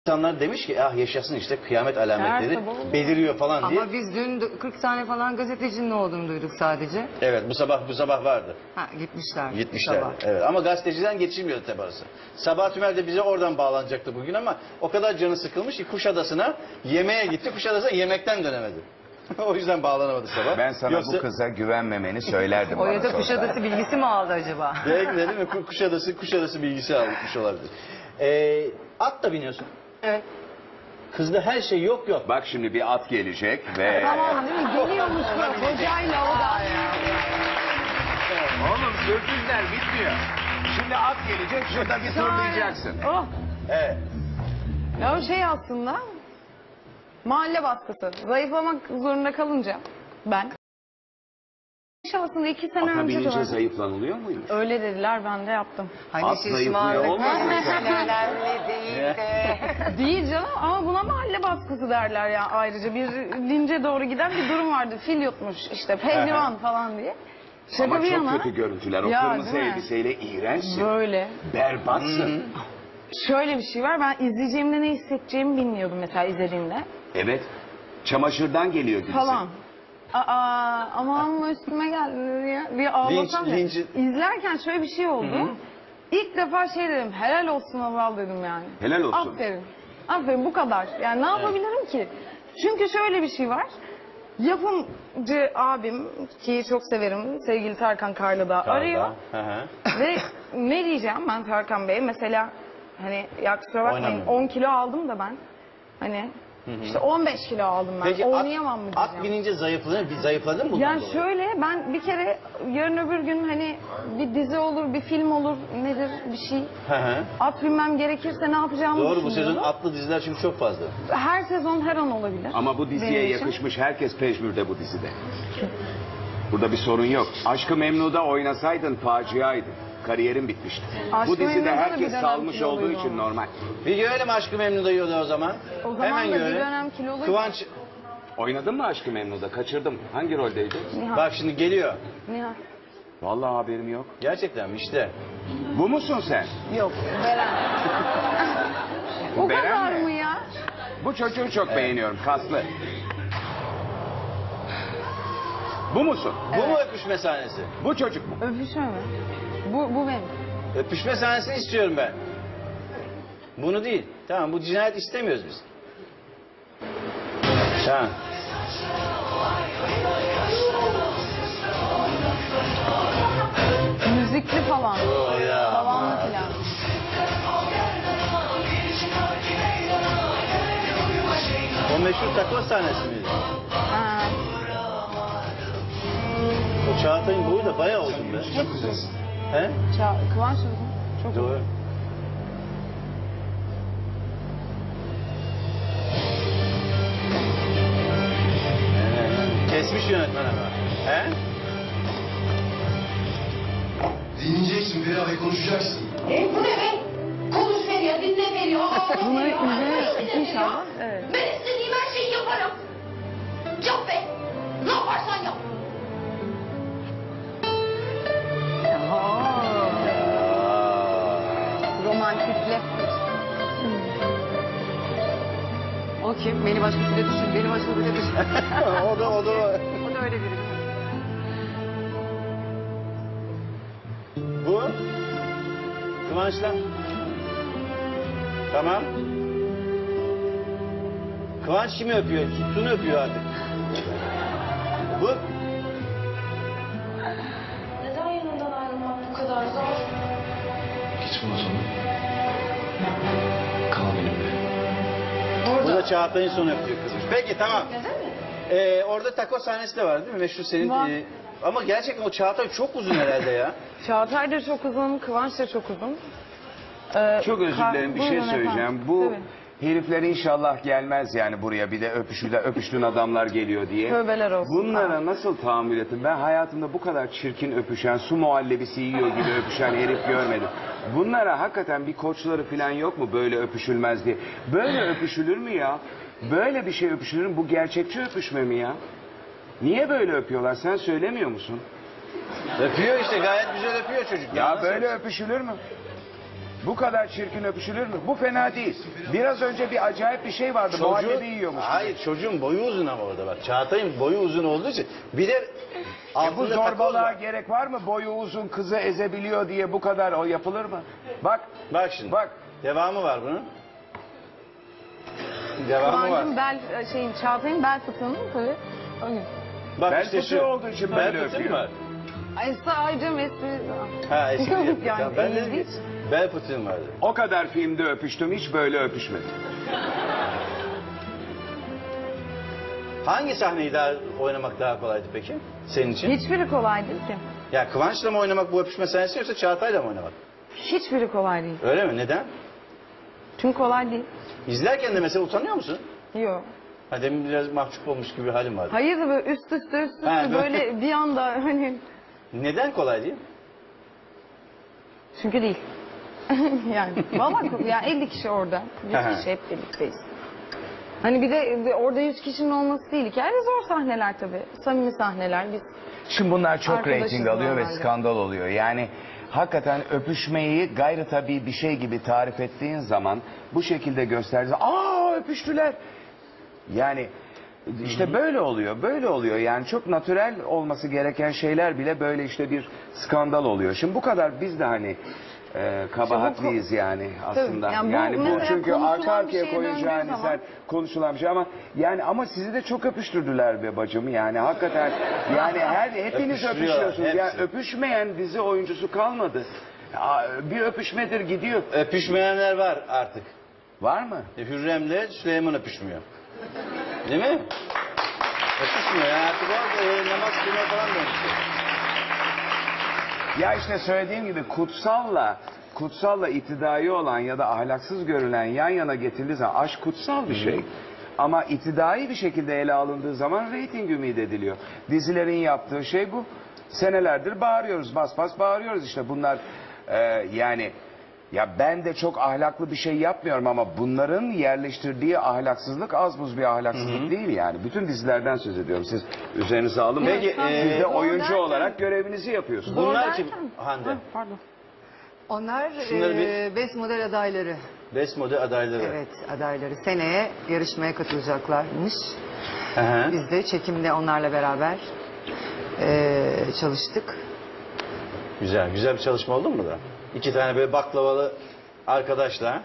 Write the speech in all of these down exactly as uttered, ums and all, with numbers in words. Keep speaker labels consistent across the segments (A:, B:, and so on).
A: İnsanlar demiş ki ah yaşasın işte kıyamet alametleri beliriyor falan diye.
B: Ama biz dün kırk tane falan gazetecinin olduğunu duyduk sadece.
A: Evet bu sabah bu sabah vardı.
B: Ha gitmişler.
A: Gitmişlerdi.
B: Sabah.
A: Evet ama gazeteciden geçilmiyordu tabi arası. Sabah Tümer de bize oradan bağlanacaktı bugün ama o kadar canı sıkılmış ki Kuşadası'na yemeğe gitti. Kuşadası'na yemekten dönemedi. O yüzden bağlanamadı sabah.
C: Ben sana
A: Yoksa...
C: bu kıza güvenmemeni söylerdim.
B: O ya da Kuşadası bilgisi mi aldı acaba?
A: Belki de değil mi? Kuşadası, Kuşadası bilgisi almış olabilir. Ee, at da biniyorsun.
B: Evet.
A: Kızda her şey yok yok.
C: Bak şimdi bir at gelecek ve...
D: Tamam değil mi? Geliyormuş böyle hocayla o da.
C: Oğlum sürprizler bitmiyor. Şimdi at gelecek, şurada bir turlayacaksın.
D: Oh.
A: Evet.
D: Ya o şey aslında mahalle baskısı. Zayıflamak zorunda kalınca ben. Aslında iki sene
C: Ata
D: önce de
C: binince
D: var.
C: zayıflanılıyor muymuş?
D: Öyle dediler, ben de yaptım.
B: Hani
C: At zayıflıyor olmasın sen?
B: önemli değil de.
D: Değil canım ama buna mahalle baskısı derler ya ayrıca. Bir lince doğru giden bir durum vardı. Fil yutmuş işte pehlivan falan diye. Şaka
C: Ama
D: bir
C: çok
D: yana,
C: kötü görüntüler. O
D: Ya,
C: kırmızı
D: değil mi?
C: elbiseyle iğrençsin.
D: böyle.
C: Berbatsın.
D: Şöyle bir şey var, ben izleyeceğimde ne hissedeceğimi bilmiyordum mesela izlediğimde.
C: Evet. Çamaşırdan geliyor gibisin.
D: Falan. Aa, aman üstüme geldi diye, diye ağlasam
A: Linç-
D: ya.
A: linç-
D: İzlerken şöyle bir şey oldu. İlk defa şey dedim, helal olsun Allah dedim yani.
C: Helal olsun.
D: Aferin. Aferin, bu kadar. Yani ne yapabilirim ki? Çünkü şöyle bir şey var. Yapımcı abim ki çok severim, sevgili Tarkan Karlı'da arıyor.
A: Hı hı.
D: Ve ne diyeceğim ben Tarkan Bey'e? Mesela hani ya kusura bakmayın
A: Oynamıyor.
D: on kilo aldım da ben. Hani işte on beş kilo aldım ben.
A: Peki at,
D: Oynayamam mı diyeceğim.
A: at binince zayıfladın, bir zayıfladın mı? bundan
D: Yani
A: dolayı?
D: şöyle, ben bir kere yarın öbür gün hani bir dizi olur, bir film olur, nedir bir şey.
A: Hı hı.
D: At binmem gerekirse ne yapacağımı
A: Doğru bu
D: düşünüyorum.
A: sezon atlı diziler çünkü çok fazla.
D: Her sezon her an olabilir.
C: Ama bu diziye
D: benim için.
C: yakışmış herkes pejmürde bu dizide. Burada bir sorun yok. Aşk-ı Memnu'da oynasaydın faciaydı. Kariyerin bitmişti.
D: Aşk-ı
C: Bu dizide
D: Memnu'da da bir
C: herkes
D: dönem
C: salmış
D: kiloluydu
C: olduğu için
D: ama.
C: normal.
A: Bir görelim Aşk-ı Memnu'da yiyordu o zaman.
D: O zaman
A: Hemen
D: da bir
A: görelim.
D: dönem kiloluydu.
A: Kıvanç
C: Oynadın mı Aşk-ı Memnu'da? Kaçırdım. Hangi roldeydi?
D: Nihal.
A: bak şimdi geliyor.
D: Nihal.
C: Vallahi haberim yok.
A: Gerçekten mi işte.
C: Bu musun sen?
D: Yok, Beren.
C: Bu
D: O
C: Beren
D: kadar
C: mi?
D: mı ya?
C: Bu çocuğu çok beğeniyorum. Kaslı. Bu musun?
A: Bu mu öpüşme sahnesi?
C: Bu çocuk mu?
D: Öpüşme mi? Bu, bu benim.
A: Öpüşme sahnesini istiyorum ben. Bunu değil. Tamam bu cinayet istemiyoruz biz. Tamam.
D: Müzikli falan.
A: O ya.
D: Tavanlı falan.
A: O meşhur takla sahnesi miydi?
D: Ha.
A: O Çağatay'ın boyu da bayağı uzun be. He?
D: Ça Kıvanç mı? Çok
A: Doğru. Ee, Kesmiş yönetmen ama. He?
E: Dinleyeceksin bir abi konuşacaksın.
F: E bu ne be? Konuş veriyor, dinle veriyor. Aa,
D: Bunları
F: aa,
D: izlemek inşallah. Evet.
F: Ben istediğim her şeyi yaparım. Yap be. Ne yaparsan yap.
D: Romantikle.
B: O kim? Beni başkasıyla düşün. Beni başkasıyla düşün.
A: o da o da.
B: O da öyle biri.
A: Bu. Kıvanç'la. Tamam. Kıvanç kimi öpüyor? Tuttuğunu öpüyor artık. Bu.
F: Neden yanından ayrılmak bu kadar zor?
E: Gitme o zaman. Kal benimle.
A: Bu da Çağatay'ın son öptüğü kızmış. Peki tamam.
F: Neden mi?
A: Ee, orada taco sahnesi de var değil mi? Meşhur senin.
D: Var.
A: e, ama gerçekten o Çağatay çok uzun herhalde ya.
D: Çağatay da çok uzun, Kıvanç da çok uzun. Ee,
C: Çok özür
D: Ka-
C: dilerim bir
D: Buyurun
C: şey
D: efendim.
C: söyleyeceğim. Bu
D: Tabii.
C: herifler inşallah gelmez yani buraya bir de öpüşüde öpüştüğün adamlar geliyor diye.
D: Tövbeler olsun.
C: Bunlara nasıl tahammül ettim? Ben hayatımda bu kadar çirkin öpüşen, su muhallebisi yiyor gibi öpüşen herif görmedim. Bunlara hakikaten bir koçları falan yok mu böyle öpüşülmez diye? Böyle öpüşülür mü ya? Böyle bir şey öpüşülür mü? Bu gerçekçi öpüşme mi ya? Niye böyle öpüyorlar? Sen söylemiyor musun?
A: Öpüyor işte gayet güzel öpüyor çocuk.
C: Ya
A: Nasıl
C: böyle
A: öpsün?
C: öpüşülür mü? Bu kadar çirkin öpüşülür mü? Bu fena değil. Biraz önce bir acayip bir şey vardı. Muhallebi yiyormuş.
A: Hayır, çocuğun boyu uzun ama orada bak. Çağatay'ın boyu uzun olduğu için bir de
C: E bu
A: altında takoz
C: zorbalığa
A: var.
C: gerek var mı? Boyu uzun kızı ezebiliyor diye bu kadar o yapılır mı? Bak.
A: Bak şimdi.
C: Bak.
A: Devamı var bunun. Devamı var.
D: Kıvancım bel şeyin Çağatay'ın bel fıtığının tabii. Öyle.
A: Bak
C: Bel
A: işte
C: fıtığı
A: şu.
C: olduğu için
A: Bel
C: böyle
A: fıtığı mı
C: öpüyor.
A: var?
D: Ay sadece mesleği.
A: Ha eski
D: Yani
A: yani, ben dedim ki
D: ilginç.
A: bel fıtığım vardı.
C: O kadar filmde öpüştüm. Hiç böyle öpüşmedim.
A: Hangi sahneyi daha oynamak daha kolaydı peki senin için?
D: Hiçbiri kolay değil ki.
A: Ya Kıvanç'la mı oynamak bu öpüşme sahnesi yoksa Çağatay'la mı oynamak?
D: Hiçbiri kolay değil.
A: Öyle mi? Neden?
D: Çünkü kolay değil.
A: İzlerken de mesela utanıyor musun?
D: Yok.
A: Ha demin biraz mahcup olmuş gibi bir halim vardı.
D: Hayır da böyle üst üste üst üste
A: Ha, böyle-
D: böyle bir anda hani
A: Neden kolay değil?
D: çünkü değil. Yani vallahi yani elli kişi orada.
A: Aha.
D: yüz kişi hep birlikteyiz. Hani bir de bir orada yüz kişinin olması değil. Yani zor sahneler tabii. Samimi sahneler. Biz
C: Şimdi bunlar çok
D: Arkadaşız
C: reyting alıyor ve
D: normalde.
C: skandal oluyor. Yani hakikaten öpüşmeyi gayri tabii bir şey gibi tarif ettiğin zaman bu şekilde gösterdiğin aa öpüştüler. Yani işte böyle oluyor, böyle oluyor. Yani çok natürel olması gereken şeyler bile böyle işte bir skandal oluyor. Şimdi bu kadar biz de hani e, kabahatliyiz yani aslında.
D: yani bu
C: yani bu
D: mesela
C: çünkü
D: konuşulan
C: arka
D: bir
C: arkaya
D: şeye
C: koyacağın
D: döndüğü zaman-
C: sen konuşulan bir şey ama yani ama sizi de çok öpüştürdüler be bacım. Yani hakikaten yani her hepiniz
A: Öpüştürüyorlar,
C: öpüşüyorsunuz.
A: hepsi.
C: Ya öpüşmeyen dizi oyuncusu kalmadı. Ya, bir öpüşmedir gidiyor.
A: Öpüşmeyenler var artık.
C: Var mı?
A: E, Hürrem'le Süleyman öpüşmüyor. Değil mi? Öpüşmüyor ya. Artık o e, namaz kılma falan dönüşüyor.
C: Ya işte söylediğim gibi kutsalla kutsalla iktidai olan ya da ahlaksız görülen yan yana getirildiği zaman aşk kutsal bir şey. Ama iktidai bir şekilde ele alındığı zaman reyting ümit ediliyor. Dizilerin yaptığı şey bu. Senelerdir bağırıyoruz, bas bas bağırıyoruz işte bunlar e, yani ya ben de çok ahlaklı bir şey yapmıyorum ama bunların yerleştirdiği ahlaksızlık az buz bir ahlaksızlık değil yani. Bütün dizilerden söz ediyorum. Siz üzerinize alın.
A: Peki,
C: Siz
A: e,
C: de
D: zor
C: oyuncu
D: derken-
C: olarak görevinizi yapıyorsunuz.
A: Bunlar
D: Zor
A: kim?
D: derken-
A: Hande.
D: Ha, pardon.
B: Onlar
A: Şunları bir-
B: e, best model adayları.
A: Best model adayları.
B: Evet, adayları. Seneye yarışmaya katılacaklarmış.
A: Hı hı.
B: Biz de çekimde onlarla beraber e, çalıştık.
A: Güzel. Güzel bir çalışma oldu mu da? İki tane böyle baklavalı arkadaşla.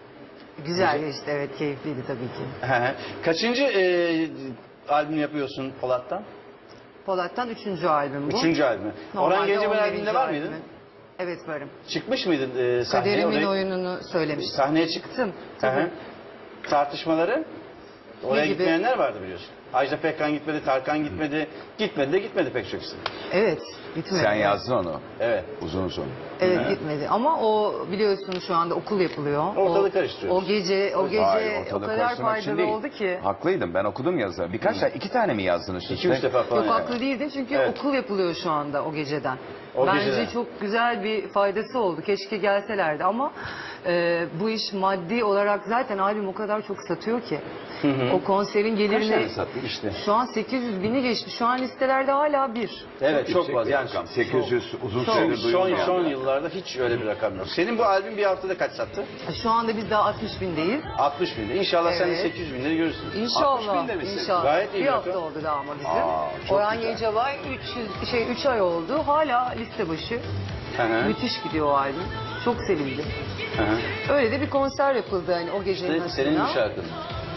B: Güzel geçti, evet, keyifliydi tabii ki.
A: Hı hı. Kaçıncı e, albüm yapıyorsun Polat'tan?
B: Polat'tan üçüncü albüm bu.
A: Üçüncü albümü.
B: Normalde
A: Orhan Gencebay
B: on birinci
A: albümünde var mıydın?
B: albümü. Evet, varım.
A: Çıkmış mıydın e, sahneye?
B: Kaderimin
A: Oraya-
B: oyununu söylemiştim.
A: Sahneye çıktın.
B: Çıktım,
A: Hı
B: tabii.
A: hı. Tartışmaları? Oraya
B: Ne gibi?
A: gitmeyenler vardı biliyorsun. Ajda Pekkan gitmedi, Tarkan gitmedi. Gitmedi de gitmedi pek çok isim.
B: Evet, gitmedi.
C: Sen yazdın onu.
A: Evet.
C: Uzun uzun.
B: Evet,
A: Hı.
B: gitmedi. Ama o biliyorsun şu anda okul yapılıyor.
A: Ortalığı
B: o,
A: karıştırıyoruz.
B: O gece, o gece
C: Hayır,
B: o
C: ortalığı
B: kadar
C: karıştırmak için
B: faydalı
C: değil.
B: oldu ki.
C: Haklıydım, ben okudum yazıları. Birkaç tane, iki tane mi yazdınız?
A: İki üç defa falan.
B: Yok,
A: yani.
B: haklı değildin çünkü
A: Evet.
B: okul yapılıyor şu anda o geceden.
A: O
B: Bence
A: geceden.
B: çok güzel bir faydası oldu. Keşke gelselerdi ama e, bu iş maddi olarak zaten albüm o kadar çok satıyor ki. O konserin
C: Kaç tane
B: gelirini
C: sattın?
A: İşte.
B: şu an sekiz yüz bini geçti. Şu an listelerde hala bir.
A: Evet çok fazla. Yani
C: sekiz yüz uzun
A: son,
C: süredir
A: son,
C: duyulmayan.
A: son yıllarda hiç öyle bir rakam yok. Senin bu albüm bir haftada kaç sattı?
B: Şu anda biz daha altmış bindeyiz.
A: altmış binde. İnşallah sen de
B: Evet.
A: sekiz yüz binleri görürsün.
C: altmış
B: İnşallah.
C: binde misin?
B: İnşallah.
A: Gayet iyi
B: bir
A: bir
B: hafta
A: rakam.
B: oldu daha ama bizim.
C: Aa, çok
B: Orhan
C: güzel.
B: Gencebay üç yüz şey üç ay oldu. Hala liste başı.
A: Hı hı.
B: Müthiş gidiyor o albüm. Çok sevildi.
A: Hı hı.
B: Öyle de bir konser yapıldı hani o gecenin
A: İşte senin
B: hatırına.
A: bir şarkın.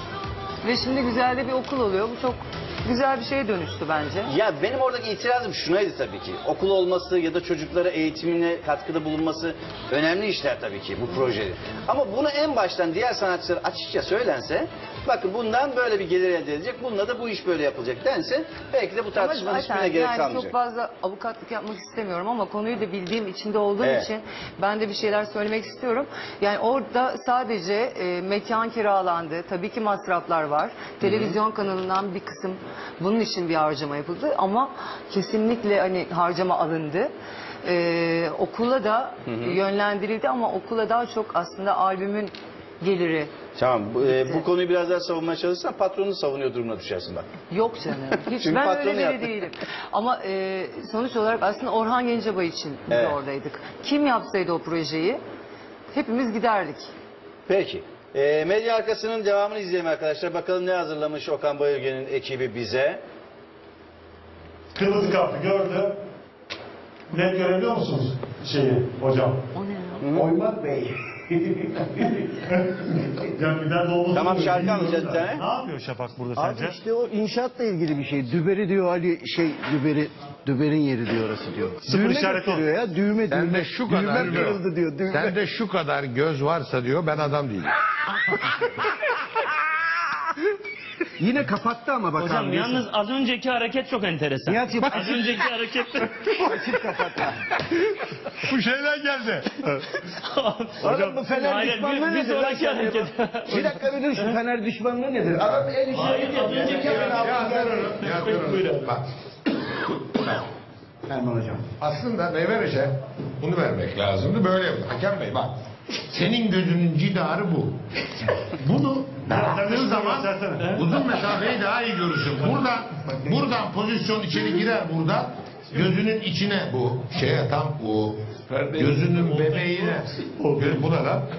B: Ve şimdi güzel de bir okul oluyor. Bu çok güzel bir şeye dönüştü bence.
A: Ya benim oradaki itirazım şunaydı tabii ki. Okul olması ya da çocuklara eğitimine katkıda bulunması önemli işler tabii ki bu projede. Ama bunu en baştan diğer sanatçılar açıkça söylense, bakın bundan böyle bir gelir elde edilecek, bununla da bu iş böyle yapılacak dense belki de bu
B: Ama
A: tartışmanın
B: zaten
A: hiçbirine gerek
B: yani
A: kalmayacak.
B: çok fazla avukatlık yapmak istemiyorum ama konuyu da bildiğim içinde olduğum
A: Evet.
B: için ben de bir şeyler söylemek istiyorum. Yani orada sadece e, mekan kiralandı. Tabii ki masraflar var. Televizyon kanalından bir kısım bunun için bir harcama yapıldı ama kesinlikle hani harcama alındı. Ee, okula da yönlendirildi ama okula daha çok aslında albümün geliri.
A: Tamam bu, e,
B: Bitti.
A: bu konuyu biraz daha savunmaya çalışırsan patronunu savunuyor durumuna düşersin bak.
B: Yok canım. Hiç
A: Çünkü
B: ben
A: patronu
B: öyle biri
A: yaptı.
B: değilim. Ama e, sonuç olarak aslında Orhan Gencebay için biz
A: Evet.
B: oradaydık. Kim yapsaydı o projeyi hepimiz giderdik.
A: Peki. Ee, medya arkasının devamını izleyelim arkadaşlar. Bakalım ne hazırlamış Okan Bayülgen'in ekibi bize.
G: Kırmızı kartı gördü. Net görebiliyor musunuz şeyi hocam?
B: O ne ya?
G: Oymak Bey. Yani bir dert olmasın
A: Tamam,
G: diye
A: şarkı
G: bilmiyorum
A: alacağız
G: da.
A: bir tane.
G: Ne yapıyor Şafak burada
H: Abi
G: sence?
H: işte o inşaatla ilgili bir şey. Düberi diyor Ali şey düberi düberin yeri diyor orası diyor.
G: Sıfır
H: düğme
G: işaret o.
H: gösteriyor ya düğme
I: Sen
H: düğme.
I: de şu kadar
H: düğme
I: diyor.
H: kırıldı diyor. Düğme.
I: Sen de şu kadar göz varsa diyor ben adam değilim.
H: Yine kapattı ama bak
J: Hocam
H: abi.
J: yalnız az önceki hareket çok enteresan.
H: Nihat'cığım, bak-
J: Az önceki hareket...
H: Açık kapattı.
I: Bu şeyden geldi.
H: Oğlum bu Fener
J: Hayır,
H: düşmanlığı
J: bir, bir
H: nedir? lan
J: sonraki
H: sen?
J: hareket.
H: Bir dakika bir dur şu Fener düşmanlığı nedir? Adam el işi az önceki hemen altı geldi.
I: Bak.
H: Erman hocam.
I: Aslında Nevereş'e bunu vermek lazımdı. Böyle yaptı. Hakem Bey bak. Senin gözünün cidarı bu. Bunu yaptığın zaman uzun mesafeyi daha iyi görürsün. Buradan, buradan pozisyon içeri girer buradan. Gözünün içine bu şeye tam bu gözünün bebeğine. Bu ne lan?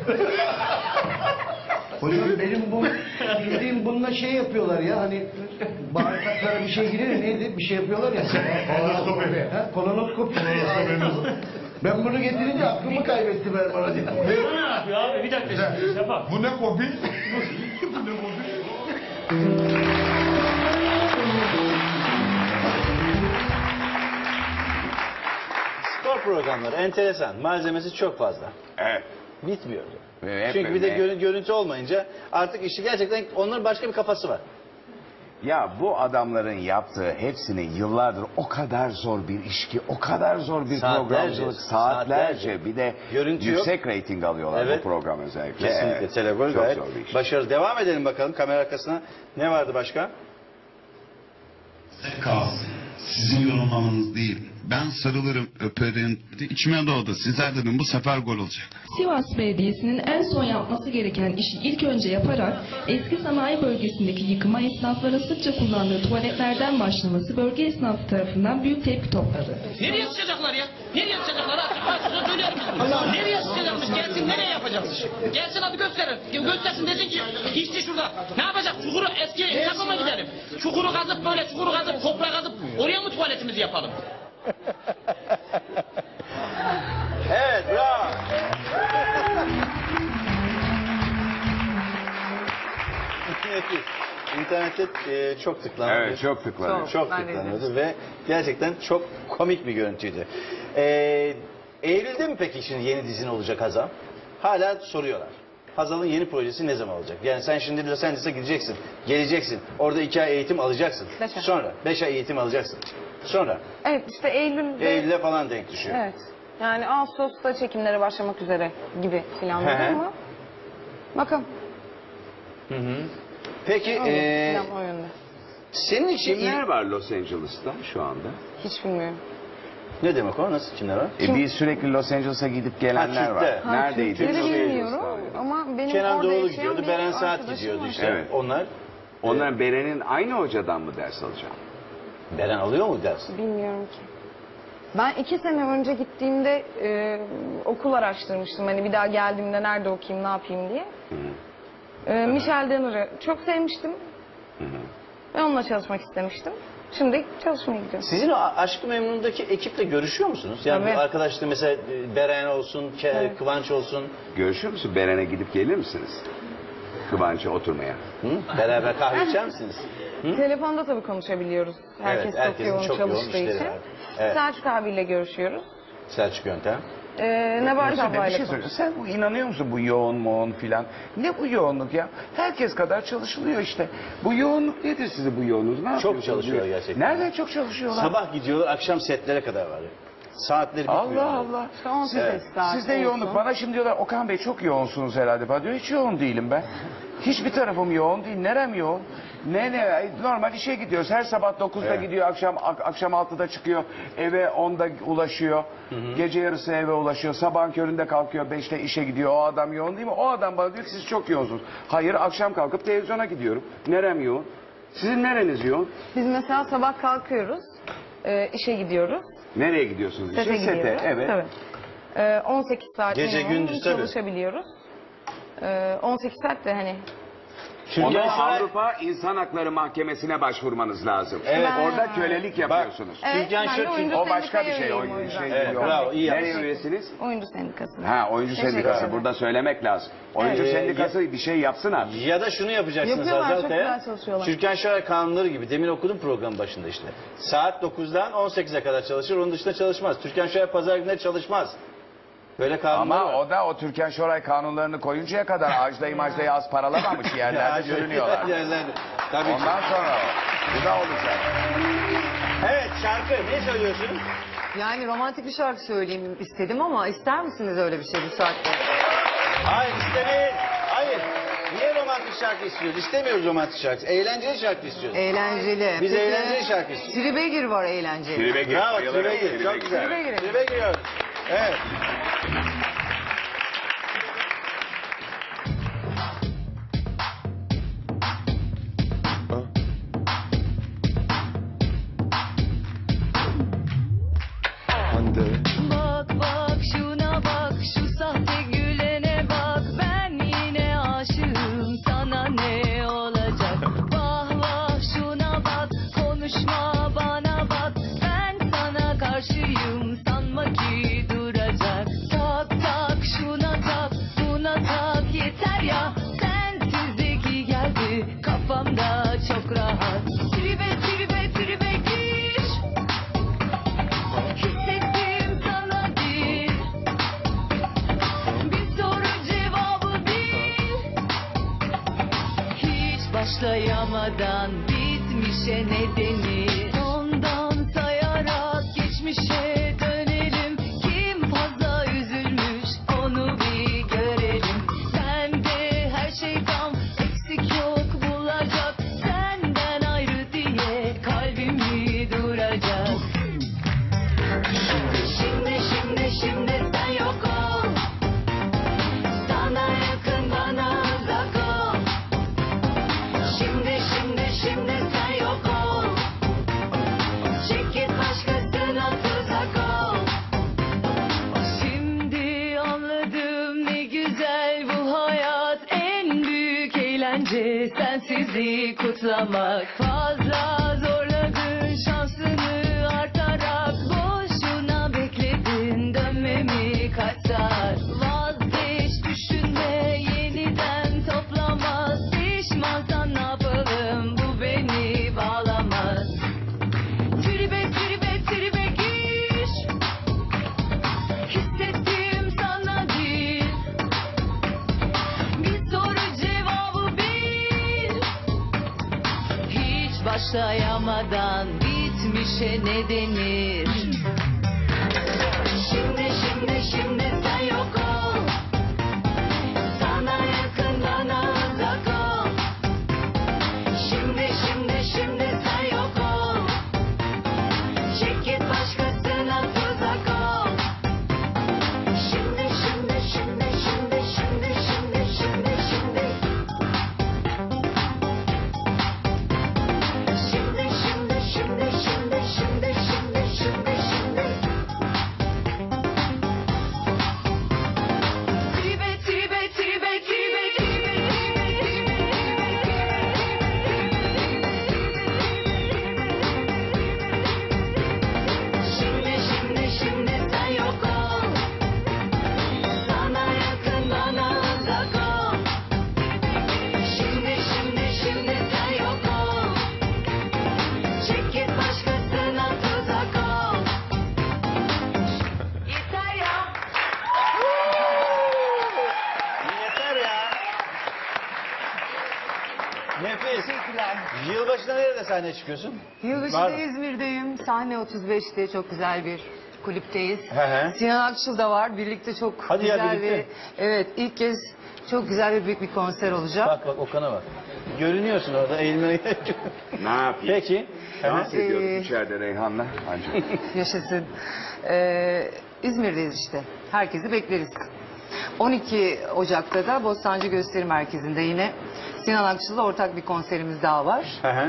H: Hocam benim bu bildiğim bununla şey yapıyorlar ya hani bağırsaklara bir şey girer neydi bir şey yapıyorlar ya.
G: Kolonoskopi.
H: Ha, kolonoskopi. Ben bunu getirince aklımı kaybettim Erman hocam.
J: Bu ne yapıyor abi? Bir dakika. Şafak.
I: Bu ne kopi?
A: Spor programları enteresan. Malzemesi çok fazla.
C: Evet.
A: Bitmiyor.
C: Evet,
A: Çünkü bir de
C: evet.
A: görü- görüntü olmayınca artık işi gerçekten onların başka bir kafası var.
C: Ya bu adamların yaptığı hepsini yıllardır o kadar zor bir iş ki, o kadar zor bir
A: Saatlerce,
C: programcılık, saatlerce,
A: saatlerce.
C: bir de
A: Görüntü
C: yüksek reyting alıyorlar
A: Evet.
C: bu program özellikle.
A: Kesinlikle.
C: Evet.
A: Televizyon
C: Çok
A: gayet
C: zor bir iş.
A: başarılı. Devam edelim bakalım kamera arkasına. Ne vardı başka?
K: kalsın. Sizin yorumlamanız değil. Ben sarılırım, öperim. İçime doğdu. Sizler dedim bu sefer gol olacak.
L: Sivas Belediyesi'nin en son yapması gereken işi ilk önce yaparak eski sanayi bölgesindeki yıkıma esnafların sıkça kullandığı tuvaletlerden başlaması bölge esnafı tarafından büyük tepki topladı.
F: Nereye sıçacaklar ya? Nereye sıçacaklar? Artık açıkça söyler misin? Nereye sıçacakmış? Gelsin nereye yapacakmış? Gelsin hadi gösterin. Göstersin desin ki işte şurada. Ne yapacak? Çukuru eski esnafa mı gidelim? Çukuru kazıp böyle çukuru kazıp toprağı kazıp oraya mı tuvaletimizi yapalım?
A: Evet, bravo. İnternette e, çok tıklanıyor.
C: Evet, çok tıklanıyor.
B: Çok.
A: Çok
B: Ben de
A: tıklanıyordu ve gerçekten çok komik bir görüntüydü. Ee, Eylül'de mi peki şimdi yeni dizin olacak Hazal? Hala soruyorlar. Hazal'ın yeni projesi ne zaman olacak? Yani sen şimdi Los Angeles'a gideceksin, geleceksin. Orada iki ay eğitim alacaksın.
D: Beş ay.
A: Sonra beş ay eğitim alacaksın. Sonra
D: Evet işte Eylül'de.
A: Eylül'e falan denk düşüyor.
D: Evet. Yani Ağustos'ta çekimlere başlamak üzere gibi
A: Hı
D: planladım
A: hı.
D: ama bakalım.
A: Peki
D: Öyle,
A: ee,
D: plan o yönde.
A: senin için
C: Kimler var Los Angeles'ta şu anda?
D: Hiç bilmiyorum.
A: ne demek o? Nasıl kimler var?
C: E biz sürekli Los Angeles'a gidip gelenler
A: Ha,
C: var.
A: Türk'te.
D: Ha,
C: Neredeydi?
D: Türkleri
C: Los
D: bilmiyorum
C: Angeles'ta.
D: ama benim
A: Kenan
D: orada
A: Doğulu
D: yaşayan
A: gidiyordu,
D: bir
A: Beren Saat
D: arkadaşım
A: gidiyordu
D: var.
A: işte.
C: Evet.
A: Onlar
C: Onlar Beren'in aynı hocadan mı ders alacak?
A: Beren alıyor mu ders?
D: Bilmiyorum ki. Ben iki sene önce gittiğimde e, okul araştırmıştım. Hani bir daha geldiğimde nerede okuyayım, ne yapayım diye. E, Michel Danner'ı çok sevmiştim. Ve onunla çalışmak istemiştim. Şimdi çalışmaya gidiyorum.
A: Sizin o Aşk-ı Memnun'daki ekiple görüşüyor musunuz? Yani
D: Tabii.
A: bu arkadaşlar mesela e, Beren olsun, Ke-
D: Evet.
A: Kıvanç olsun.
C: Görüşür müsün? Beren'e gidip gelir misiniz? Kıvanç'a oturmaya.
A: Hı? Beraber kahve içer misiniz?
D: Telefonda tabii konuşabiliyoruz. Herkes
A: Evet,
D: çok
A: herkesin
D: yoğun
A: çok yoğun
D: çalıştığı
A: işleri
D: için.
A: var. Evet.
D: Selçuk abiyle görüşüyoruz.
A: Selçuk Yöntem.
D: Ee, Nebahat
C: Mesela bir
D: ablayla
C: şey
D: konuşuyoruz.
C: söyleyeyim. Sen bu inanıyor musun bu yoğun moğun filan? Ne bu yoğunluk ya? Herkes kadar çalışılıyor işte. Bu yoğunluk nedir size bu yoğunluk? Ne yapıyorsunuz?
A: çalışıyorlar gerçekten.
C: Nereden çok çalışıyorlar?
A: Sabah gidiyorlar, akşam setlere kadar var. Saatleri bitmiyor.
C: Allah Allah.
D: İşte on sekiz
A: Evet.
D: saat
C: Sizde
D: olsun.
C: yoğunluk. Bana şimdi diyorlar Okan Bey çok yoğunsunuz herhalde falan diyor. Hiç yoğun değilim ben. Hiçbir tarafım yoğun değil. Nerem yoğun? Ne ne normal işe gidiyoruz. Her sabah dokuzda
A: Evet.
C: gidiyor, akşam ak- akşam altıda çıkıyor. Eve onda ulaşıyor. Gece yarısı eve ulaşıyor. Sabahın köründe kalkıyor, beşte işe gidiyor. O adam yoğun değil mi? O adam bana diyor ki siz çok yoğunsunuz. Hayır, akşam kalkıp televizyona gidiyorum. Nerem yoğun? Sizin nereniz yoğun?
D: Biz mesela sabah kalkıyoruz. e, işe gidiyoruz.
C: Nereye gidiyorsunuz?
D: Sete
C: işe?
D: gidiyoruz.
C: Evet.
D: Tabii. Ee, on sekiz saat
A: Gece,
D: minimum
A: gündüz tabii.
D: çalışabiliyoruz. Ee, on sekiz saat de hani
C: Ona
A: Şoray-
C: Avrupa İnsan Hakları Mahkemesi'ne başvurmanız lazım.
A: Evet.
C: Orada kölelik yapıyorsunuz.
D: Evet,
A: Türkan
D: ben de
A: Şoray-
D: oyuncu
C: O başka bir
D: sendikaya
C: şey.
D: üyeyim o
C: Oyuncu
D: yüzden.
C: şey
A: Evet,
C: yok.
A: bravo, iyi
C: Nereye
A: yapmışsın.
C: üyesiniz?
D: Oyuncu sendikasına.
C: Ha, oyuncu
D: Teşekkür
C: sendikası.
D: ederim.
C: Burada söylemek lazım. Oyuncu
A: Evet.
C: sendikası bir şey yapsın artık.
A: Ya da şunu yapacaksınız
D: Yapıyorlar,
A: Hazal
D: çok
A: Kaya.
D: güzel çalışıyorlar.
A: Türkan Şoray kanunları gibi. Demin okudum program başında işte. Saat dokuzdan on sekize kadar çalışır. Onun dışında çalışmaz. Türkan Şoray pazar günleri çalışmaz. Böyle kanunlar
C: Ama
A: var.
C: o da o Türkan Şoray kanunlarını koyuncaya kadar Ajda'yı Majda'yı az paralamamış yerlerde sürünüyorlar.
A: Yerlerde. Tabii ki.
C: Ondan sonra bu da olacak.
A: Evet, şarkı ne söylüyorsun?
B: Yani romantik bir şarkı söyleyeyim istedim ama ister misiniz öyle bir şey bu saatte?
A: Hayır, istemeyiz. Hayır. Niye romantik şarkı istiyoruz? İstemiyoruz romantik şarkı. Eğlenceli şarkı istiyoruz.
B: Eğlenceli.
A: Biz
B: Peki,
A: eğlenceli şarkı istiyoruz.
B: Tribe gir var eğlenceli.
C: Tribe gir.
A: Bravo,
C: Bayılırım.
A: tribe gir.
C: Tribe
A: Çok
C: gir.
A: güzel.
B: Tribe girelim.
A: Tribe giriyoruz. Evet.
M: Bak bak şuna bak, şu sahte gülene bak, ben yine aşığım, sana ne olacak? Vah vah şuna bak, konuşma bana bak, ben sana karşıyım, sanma ki duracak. Tak tak şuna tak, buna tak, yeter ya, sensizdeki geldi kafamda çok rahat. Tribe tribe tribe gir, hissettim sana değil, bir soru cevabı değil. Hiç başlayamadan bitmişe ne denir? Ondan sayarak geçmişe dönelim. Kim fazla üzülmüş onu bir görelim. Bende her şey tam, eksik yok bulacak. Senden ayrı diye kalbimi duracak. Şimdi şimdi şimdi sen yok ol, sana yakın bana uzak ol. Şimdi şimdi şimdi sen yok ol, çek git başkasına tuzak ol. Şimdi anladım ne güzel bu hayat, en büyük eğlence sensizliği kutlamak. Fazla zorladın şansını artarak, boşuna bekledin dönmemi kaç saat. Vazgeç düşünme, yeniden toplamaz, pişmansan ne yapalım, bu beni bağlamaz. Tribe tribe tribe gir, hissettim sana değil, bir soru cevabı bil. Hiç başlayamadan bitmişe ne denir? Şimdi şimdi şimdi sen yok ol, sana yakın bana uzak ol. Şimdi şimdi şimdi sen yok ol, çek git başkasına tuzak ol. Şimdi şimdi şimdi şimdi şimdi şimdi şimdi şimdi. Şimdi şimdi şimdi şimdi şimdi şimdi şimdi şimdi. Tribe tribe tribe tribe tribe Şimdi şimdi şimdi sen yok ol, sana yakın bana uzak ol. Şimdi şimdi şimdi sen yok ol, çek git başkasına tuzak ol. Yeter ya.
A: Yeter ya. Nefis. Yılbaşında nerede sahneye çıkıyorsun? Var
B: Yılbaşında
A: mı?
B: İzmir'deyim. Sahne otuz beşte çok güzel bir kulüpteyiz.
A: He he.
B: Sinan Akçıl da var. Birlikte çok
A: Hadi ya,
B: güzel
A: birlikte.
B: bir... Evet, ilk kez çok güzel bir büyük bir konser olacak.
A: Bak bak Okan'a bak. Görünüyorsun orada eğilmene gerek yok.
C: Ne yapayım?
A: Peki.
C: Dans ediyorduk
B: Ee,
C: içeride Reyhan'la. Ancak.
B: Yaşasın. Ee, İzmir'deyiz işte. Herkesi bekleriz. on iki Ocak'ta da Bostancı Gösteri Merkezi'nde yine Sinan Akçıl'la ortak bir konserimiz daha var.
A: Hı hı.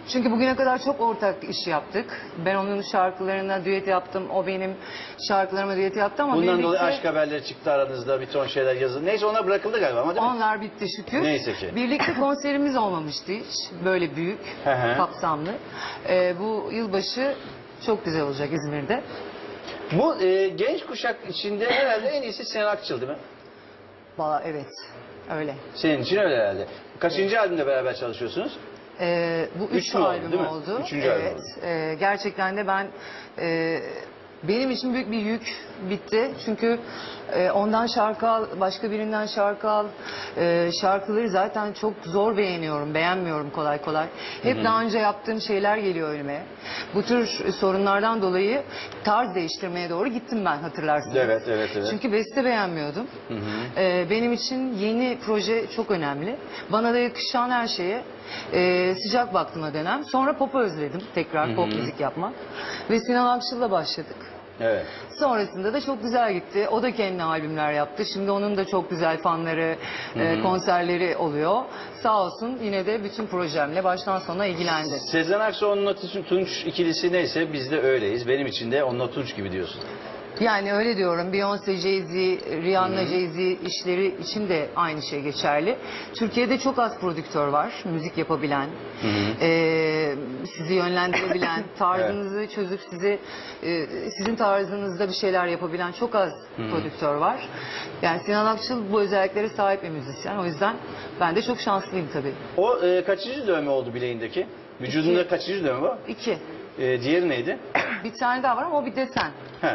B: Çünkü bugüne kadar çok ortak iş yaptık. Ben onun şarkılarına düet yaptım. O benim şarkılarıma düet yaptı ama
A: Bundan
B: birlikte...
A: dolayı aşk haberleri çıktı aranızda, bir ton şeyler yazıldı. Neyse ona bırakıldı galiba ama değil mi?
B: Onlar bitti şükür.
A: Neyse ki.
B: Birlikte konserimiz olmamıştı hiç. Böyle büyük,
A: Hı hı.
B: kapsamlı. Ee, bu yılbaşı çok güzel olacak İzmir'de.
A: Bu e, genç kuşak içinde herhalde en iyisi Sinan Akçıl değil mi?
B: Valla evet, öyle.
A: Senin için öyle herhalde. Kaçıncı albümde beraber çalışıyorsunuz?
B: Ee, bu üç,
A: Üç mü oldu,
B: albüm
A: değil mi?
B: oldu.
A: Üçüncü
B: evet.
A: albüm.
B: Ee, gerçekten de ben e, benim için büyük bir yük bitti. Çünkü e, ondan şarkı al, başka birinden şarkı al. E, şarkıları zaten çok zor beğeniyorum, beğenmiyorum kolay kolay. Hep
A: Hı hı.
B: daha önce yaptığım şeyler geliyor önüme. Bu tür sorunlardan dolayı tarz değiştirmeye doğru gittim ben, hatırlarsınız.
A: Evet, evet, evet.
B: Çünkü beste beğenmiyordum.
A: Hı hı.
B: Ee, benim için yeni proje çok önemli. Bana da yakışan her şeye e, sıcak baktım o dönem. Sonra pop'u özledim tekrar,
A: Hı hı.
B: pop müzik yapmak. Ve Sinan Akçıl'la başladık.
A: Evet.
B: Sonrasında da çok güzel gitti. O da kendi albümler yaptı. Şimdi onun da çok güzel fanları, e,
A: Hı hı.
B: konserleri oluyor. Sağ olsun yine de bütün projemle baştan sona ilgilendi.
A: Sezen Aksu, onunla Tunç ikilisi neyse biz de öyleyiz. Benim için de onunla Tunç gibi diyorsun.
B: Yani öyle diyorum. Beyoncé, Jay-Z, Rihanna, Jay-Z işleri için de aynı şey geçerli. Türkiye'de çok az prodüktör var. Müzik yapabilen,
A: Hı hı.
B: e, sizi yönlendirebilen, tarzınızı çözüp sizi e, sizin tarzınızda bir şeyler yapabilen çok az
A: Hı hı.
B: prodüktör var. Yani Sinan Akçıl bu özelliklere sahip bir müzisyen. O yüzden ben de çok şanslıyım tabii.
A: O e, kaçıncı dövme oldu bileğindeki? Vücudunda
B: İki.
A: kaçıncı dövme bu?
B: İki.
A: E, diğeri neydi?
B: Bir tane daha var ama o bir desen.
A: He.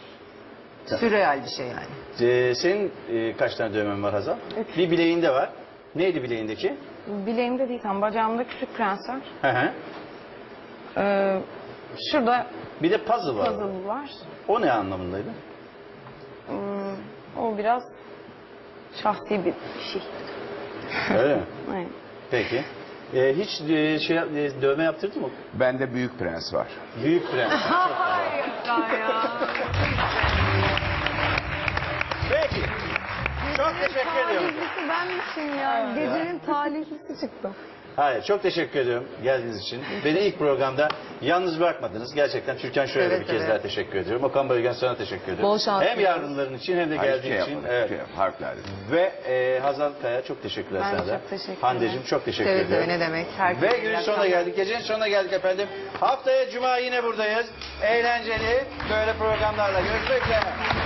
B: Sürreal bir şey yani.
A: E, senin e, kaç tane dövmen var Hazal? Bir bileğinde var. Neydi bileğindeki?
D: Bileğimde değil tam bacağımda küçük prens var.
A: Hı hı.
D: Ee, şurada
A: Bir de puzzle var.
D: puzzle var.
A: O ne anlamındaydı?
D: Hmm, o biraz şahsi bir şey.
A: Öyle mi?
D: Aynen.
A: Peki. E, hiç e, şey e, dövme yaptırdın mı?
C: Bende Büyük Prens var.
A: Büyük prens. Peki. Çok teşekkür ediyorum.
D: Talihlisi benmişim ya. Gecenin talihlisi çıktım.
A: Hayır, çok teşekkür ediyorum geldiğiniz için. Beni ilk programda yalnız bırakmadınız. Gerçekten Türkan Şoray'a
B: Evet,
A: bir kez
B: evet.
A: daha teşekkür ediyorum. Okan Bayülgen sana teşekkür ediyorum.
B: Bol şans
A: Hem
B: diliyorum.
A: yardımların için hem de
C: Hayır,
A: geldiğin
C: şey
A: için.
C: yapmadım,
A: Evet.
C: şey yap- harflerle.
A: Ve e, Hazal Kaya çok teşekkürler
D: Ben de
A: sana da.
D: çok teşekkür ederim.
A: Hande'cim çok teşekkür
B: Seve
A: ediyorum.
B: seve, ne demek. Herkese
A: Ve
B: iyi
A: günün sonuna
B: akşamlar.
A: geldik. Gecenin sonuna geldik efendim. Haftaya Cuma yine buradayız. Eğlenceli böyle programlarla görüşmek üzere.